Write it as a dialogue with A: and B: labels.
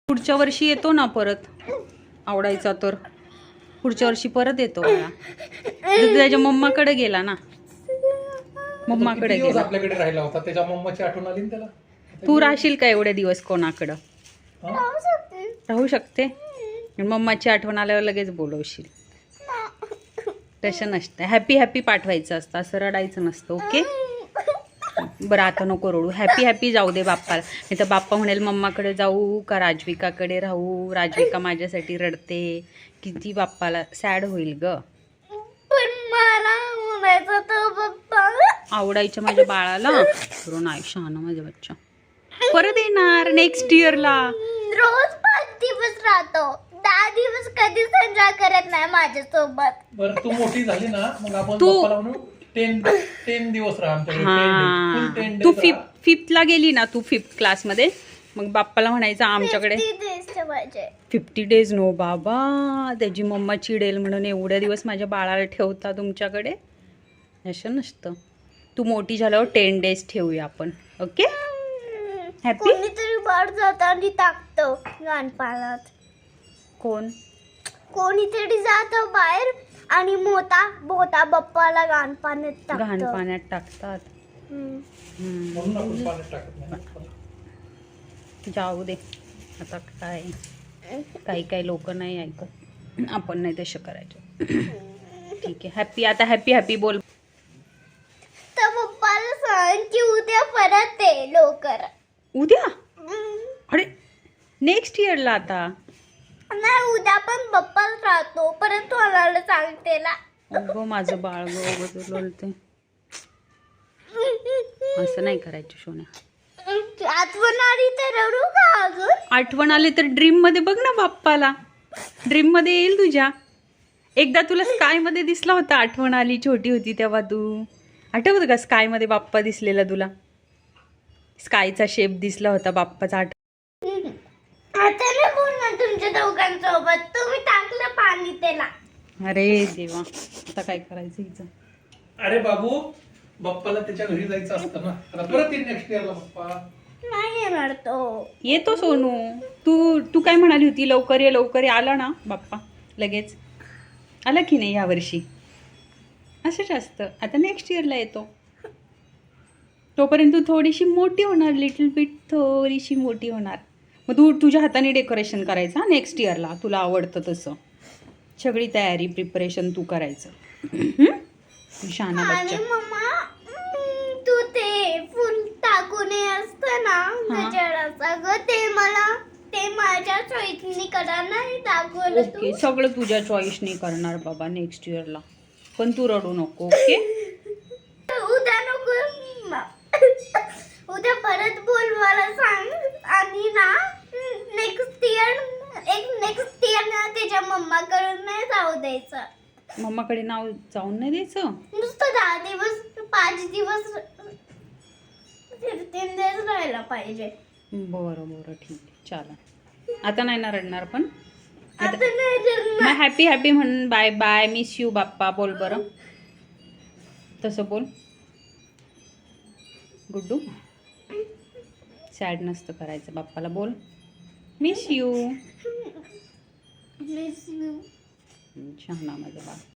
A: पुढच्या वर्षी येतो ना परत, आवडायचा तर पुढच्या वर्षी परत येतो मला. त्याच्या मम्माकडे गेला ना, मम्माकडे गेला.
B: आपल्याकडे राहिला होता, त्याच्या मम्माची आठवण आली त्याला.
A: तू राहशील का एवढे दिवस कोणाकडं? राहू शकते. मम्माची आठवण आल्यावर लगेच बोलवशील. तसं नसतं, हॅपी हॅपी पाठवायचं असतं, असं रडायचं नसतं. ओके बरं, आता नको रडू, हॅपी हॅपी जाऊ दे बाप्पाला. नाही तर बाप्पा म्हणेल मम्माकडे जाऊ का राजविकाकडे राहू, राजविका माझ्यासाठी रडते. किती बाप्पाला सॅड होईल ग. आवडायच्या माझ्या बाळाला. करून आयुष्य ना माझ्या बच्चा परत येणार नेक्स्ट इयरला.
C: रोज 5 दिवस राहतो, 10 दिवस कधीच एन्जॉय करत नाही माझ्यासोबत.
B: बरं तू मोठी झाली ना, मग आपण बाप्पाला म्हणू 10 दिवस राहा आमच्याकडे.
A: तू फिफ्थला गेली ना, तू 5th क्लासमध्ये, मग बाप्पाला म्हणायचं आमच्याकडे 50 डेज. नो बाबा, त्याची मम्मा चिडेल म्हणून एवढ्या दिवस माझ्या बाळाला ठेवता तुमच्याकडे. असं नसतं. तू मोठी झाल्यावर 10 डेज ठेवूया आपण. Okay happy.
C: कोणीतरी बाहेर जात आणि टाकतो गाणपाण्यात. कोणीतरी जात बाहेर आणि मोठा बाप्पाला गाणपाण्यात
A: टाकतात. जाऊ दे आता, काही लोक नाही ऐकत, आपण नाही तसं करायचं. ठीक आहे हॅपी. आता हॅपी हॅपी बोल.
C: तर पप्पाला सांग की उद्या परत ये लवकर.
A: उद्या? अरे नेक्स्ट इयरला. आता
C: नाही, उद्या पण पप्पाच राहतो, परत मला सांगते ना.
A: अगं माझं बाळ बोलते. असं नाही करायचं सोन्या.
C: आठवण आली तर रडू का अजून?
A: आठवण आली तर ड्रीम मध्ये बघ ना बाप्पाला. ड्रीम मध्ये येईल तुझ्या. एकदा तुला स्काय मध्ये दिसला होता, आठवण आली, छोटी होती तेव्हा. तू आठवत का स्काय मध्ये बाप्पा दिसलेला तुला? स्कायचा शेप दिसला होता बाप्पाचा.
C: आता नाही बोलणार तुमच्या दोघांसोबत, तुम्ही टाकलं पाणी त्याला.
A: अरे देवा, आता काय करायचं हिचं.
B: अरे बाबू, बाप्पाला त्याच्या घरी जायचं असतं ना, परत येईल नेक्स्ट इयरला बाप्पा.
C: नाही येणार तो.
A: येतो सोनू. तू काय म्हणाली होती, लवकर ये लवकर ये. आला ना बाप्पा लगेच? आला की नाही यावर्षी? असंच असतं. आता नेक्स्ट इयरला येतो. तोपर्यंत तू थोडीशी मोठी होणार, लिटल बिट थोडीशी मोठी होणार. मग तू तुझ्या हाताने डेकोरेशन करायचं नेक्स्ट इयरला, तुला आवडतं तसं. सगळी तयारी प्रिपरेशन तू करायचं. शहाणा बच्चा.
C: मम्मा, तू ते फुल टाकून असतं ना गजराचं, ते माझ्या चॉईसनी करणार नाही टाकून.
A: ओके सगळं तुझ्या चॉईसनी करणार बाबा नेक्स्ट इयरला. पण तू रडू नको. ओके
C: उद्या नको, उद्या परत बोल मला सांग. आणि ना नेक्स्ट इयर ना त्याच्या मम्माकडून नाही जाऊ द्यायचं.
A: मम्माकडे नाव जाऊन नाही द्यायचं.
C: नुसतं 10 दिवस 5 दिवस 3 दिवस राहायला पाहिजे.
A: बरं ठीक आहे चालेल. आता नाही ना रडणार पण.
C: आता नाही जगणार.
A: मग हॅपी हॅपी म्हणून bye bye, miss you Bappa बोल बरं. तसं बोल गुड्डू. सॅड नसतं करायचं बाप्पाला. बोल मिस यू.
C: Miss you.
A: शहाणा माझा बाळ.